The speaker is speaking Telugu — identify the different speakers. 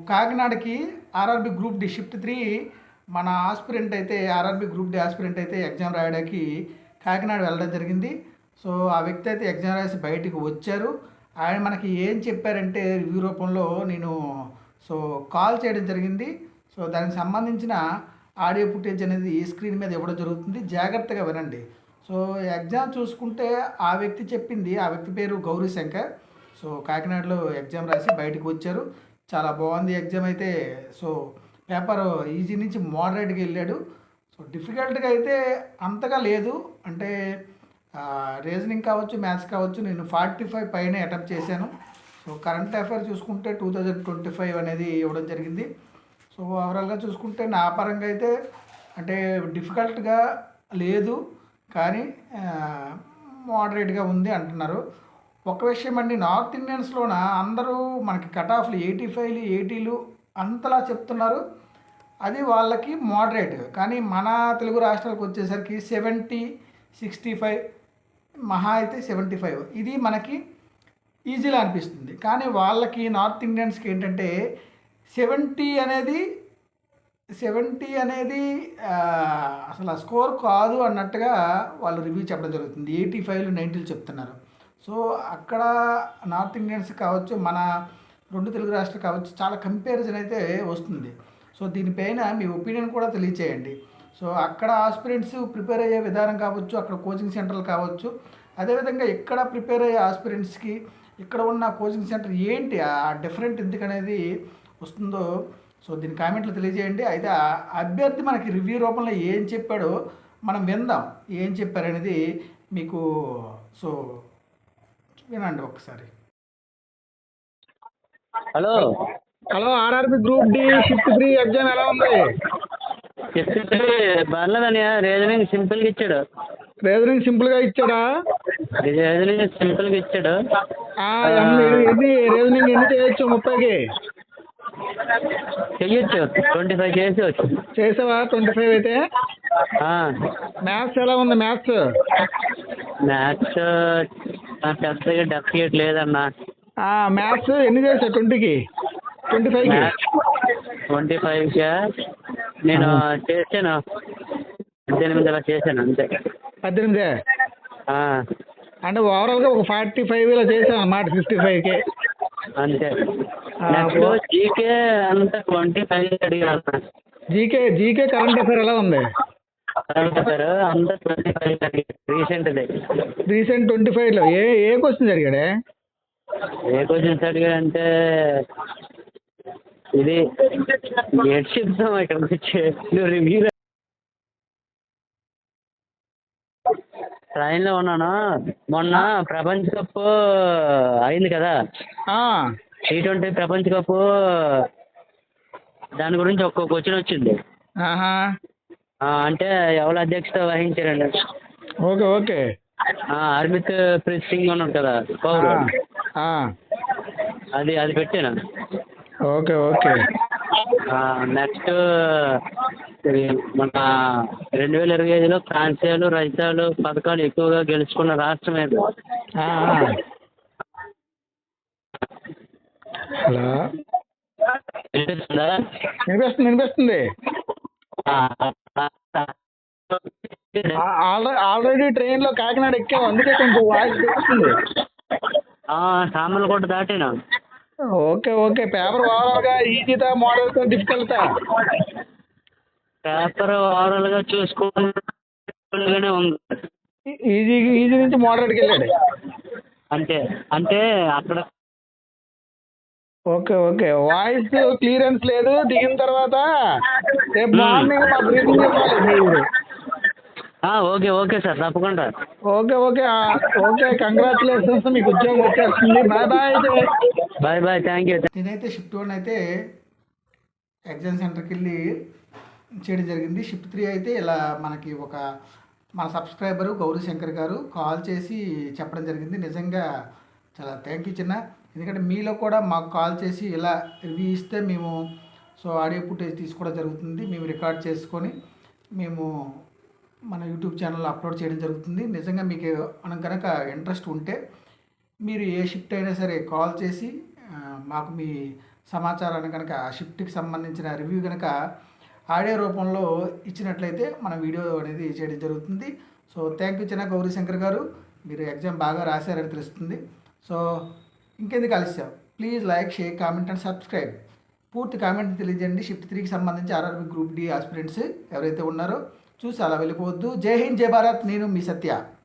Speaker 1: కాకినాడకి ఆర్ఆర్బి గ్రూప్ డి షిఫ్ట్ 3 మన ఆస్పిరెంట్ అయితే ఆర్ఆర్బి గ్రూప్ డి ఆస్పిరెంట్ అయితే ఎగ్జామ్ రాయడానికి కాకినాడ వెళ్ళడం జరిగింది. సో ఆ వ్యక్తి అయితే ఎగ్జామ్ రాసి బయటికి వచ్చారు. ఆయన మనకి ఏం చెప్పారంటే రివ్యూ రూపంలో నేను కాల్ చేయడం జరిగింది. సో దానికి సంబంధించిన ఆడియో ఫుటేజ్ అనేది స్క్రీన్ మీద ఇవ్వడం జరుగుతుంది. జాగ్రత్తగా వినండి. సో ఎగ్జామ్ చూసుకుంటే ఆ వ్యక్తి చెప్పింది, ఆ వ్యక్తి పేరు గౌరీ శంకర్. సో కాకినాడలో ఎగ్జామ్ రాసి బయటకు వచ్చారు. చాలా బాగుంది ఎగ్జామ్ అయితే. సో పేపర్ ఈజీ నుంచి మోడరేట్గా వెళ్ళాడు. సో డిఫికల్ట్గా అయితే అంతగా లేదు. అంటే రీజనింగ్ కావచ్చు, మ్యాథ్స్ కావచ్చు, నేను 45 పైన అటెంప్ట్ చేశాను. సో కరెంట్ అఫైర్ చూసుకుంటే 2025 అనేది ఇవ్వడం జరిగింది. సో ఓవరాల్గా చూసుకుంటే నా పరంగా అయితే అంటే డిఫికల్ట్గా లేదు, కానీ మోడరేట్గా ఉంది అంటున్నారు. ఒక విషయం అండి, నార్త్ ఇండియన్స్లోన అందరూ మనకి కట్ ఆఫ్లు 85లు 80లు అంతలా చెప్తున్నారు. అది వాళ్ళకి మోడరేట్. కానీ మన తెలుగు రాష్ట్రాలకు వచ్చేసరికి 70, 65, మహా అయితే 75 ఇది మనకి ఈజీగా అనిపిస్తుంది. కానీ వాళ్ళకి నార్త్ ఇండియన్స్కి ఏంటంటే 70 అనేది అసలు ఆ స్కోర్ కాదు అన్నట్టుగా వాళ్ళు రివ్యూ చెప్పడం జరుగుతుంది. 85లు 90లు చెప్తున్నారు. సో అక్కడ నార్త్ ఇండియన్స్ కావచ్చు, మన 2 తెలుగు రాష్ట్రాలు కావచ్చు, చాలా కంపారిజన్ అయితే వస్తుంది. సో దీనిపైన మీ ఒపీనియన్ కూడా తెలియచేయండి. సో అక్కడ ఆస్పిరెంట్స్ ప్రిపేర్ అయ్యే విధానం కావచ్చు, అక్కడ కోచింగ్ సెంటర్లు కావచ్చు, అదేవిధంగా ఇక్కడ ప్రిపేర్ అయ్యే ఆస్పిరెంట్స్కి ఇక్కడ ఉన్న కోచింగ్ సెంటర్ ఏంటి ఆ డిఫరెంట్ ఎందుకనేది వస్తుందో సో దీని కామెంట్లు తెలియజేయండి. అయితే ఆ అభ్యర్థి మనకి రివ్యూ రూపంలో ఏం చెప్పాడో మనం విందాం. ఏం చెప్పారనేది మీకు సో వినండి ఒకసారి.
Speaker 2: Hello
Speaker 1: hello, RRB group D shift 3 exam ఎలా ఉంది?
Speaker 2: పర్లేదని రీజనింగ్ సింపుల్గా ఇచ్చాడు.
Speaker 1: రీజనింగ్ సింపుల్గా ఇచ్చాడా?
Speaker 2: రీజనింగ్ సింపుల్గా ఇచ్చాడు.
Speaker 1: రీజనింగ్ ఎన్ని చేయొచ్చు? 30కి
Speaker 2: చెయ్యొచ్చు, 25 చేసేవచ్చు.
Speaker 1: చేసావా? 25 అయితే మ్యాథ్స్ ఎలా ఉంది? మ్యాథ్స్
Speaker 2: పెద్దగా డెఫినెట్ లేదన్నా.
Speaker 1: మ్యాథ్స్ ఎన్ని చేసావు? 20కి 25కి
Speaker 2: 25గా నేను చేశాను 18 అలా చేశాను అంతే.
Speaker 1: 18 అంటే ఓవరాల్గా ఒక 45 ఇలా చేసాను అన్నమాట. 55కి
Speaker 2: అంతే. నెక్స్ట్ జీకే అంతా 25 అడిగాను.
Speaker 1: జీకే కరెంట్ అఫైర్ ఎలా ఉంది?
Speaker 2: కరెంట్ అఫైర్ అంతా 25 అడిగాడు.
Speaker 1: రీసెంట్ 25లో ఏ క్వశ్చన్స్ అడిగాడే?
Speaker 2: ఏ క్వశ్చన్స్ అడిగాడంటే ఇది ఏడ్ చెప్తాం ఇక్కడికి వచ్చి నువ్వు రివ్యూ ట్రైన్లో ఉన్నాను. మొన్న ప్రపంచ కప్ అయింది కదా, T20 ప్రపంచ కప్, దాని గురించి ఒక్క క్వశ్చన్ వచ్చింది. అంటే ఎవరు అధ్యక్షత వహించారండి?
Speaker 1: ఓకే
Speaker 2: హర్మిత్ ప్రీత్ సింగ్ ఉన్నాడు కదా పౌరు, అది పెట్టాను.
Speaker 1: ఓకే
Speaker 2: నెక్స్ట్ మన 2025లో ప్రాంతీయాలు రహితాలు పథకాలు ఎక్కువగా గెలుచుకున్న రాష్ట్రం ఏది?
Speaker 1: హలో, వినిపిస్తుంది. ఆల్రెడీ ట్రైన్లో కాకినాడ ఎక్కాము, అందుకే కొంచెం వాయిస్ వస్తుంది.
Speaker 2: సామర్లకోట దాటినా.
Speaker 1: ఓకే పేపర్ ఓవరాల్గా ఈజీదా మోడల్గా డిఫికల్టా?
Speaker 2: పేపర్ ఓవరాల్గా చూసుకుంటూనే ఉంది.
Speaker 1: ఈజీ నుంచి మోడరేట్కి వెళ్ళాడు
Speaker 2: అంటే అక్కడ.
Speaker 1: ఓకే వాయిస్ క్లియరెన్స్ లేదు. దిగిన తర్వాత రేపు మార్నింగ్ మా బ్రీఫింగ్ చెప్పాలి మీరు.
Speaker 2: ఓకే సార్, తప్పకుండా.
Speaker 1: ఓకే కంగ్రాచులేషన్స్, మీకు ఉద్యోగం వచ్చేస్తుంది.
Speaker 2: Bye thank you.
Speaker 1: నేనైతే షిఫ్ట్ 1 అయితే ఎగ్జామ్ సెంటర్కి వెళ్ళి చేయడం జరిగింది. షిఫ్ట్ 3 అయితే ఇలా మనకి మన సబ్స్క్రైబరు గౌరీ శంకర్ గారు కాల్ చేసి చెప్పడం జరిగింది. నిజంగా చాలా థ్యాంక్ యూ చిన్న. ఎందుకంటే మీలో కూడా మాకు కాల్ చేసి ఇలా రివ్యూ ఇస్తే మేము ఆడియో ఫుటేజ్ తీసుకోవడం జరుగుతుంది. మేము రికార్డ్ చేసుకొని మేము మన యూట్యూబ్ ఛానల్లో అప్లోడ్ చేయడం జరుగుతుంది. నిజంగా మీకు కనుక ఇంట్రెస్ట్ ఉంటే మీరు ఏ షిఫ్ట్ అయినా సరే కాల్ చేసి మాకు మీ సమాచారాన్ని కనుక ఆ షిఫ్ట్కి సంబంధించిన రివ్యూ కనుక ఆడియో రూపంలో ఇచ్చినట్లయితే మన వీడియో అనేది చేయడం జరుగుతుంది. సో థ్యాంక్ యూ చిన్న గౌరీశంకర్ గారు, మీరు ఎగ్జామ్ బాగా రాశారని తెలుస్తుంది. సో ఇంకెందుకు ఆలస్యం, please like, share, comment and subscribe. పూర్తి కామెంట్ తెలియజేయండి. షిఫ్ట్ 3కి సంబంధించి ఆర్ఆర్బీ గ్రూప్ డి ఆస్పిరెంట్స్ ఎవరైతే ఉన్నారో చూసి అలా వెళ్ళిపోవద్దు. జై హింద్, జై భారత్. నేను మీ సత్య.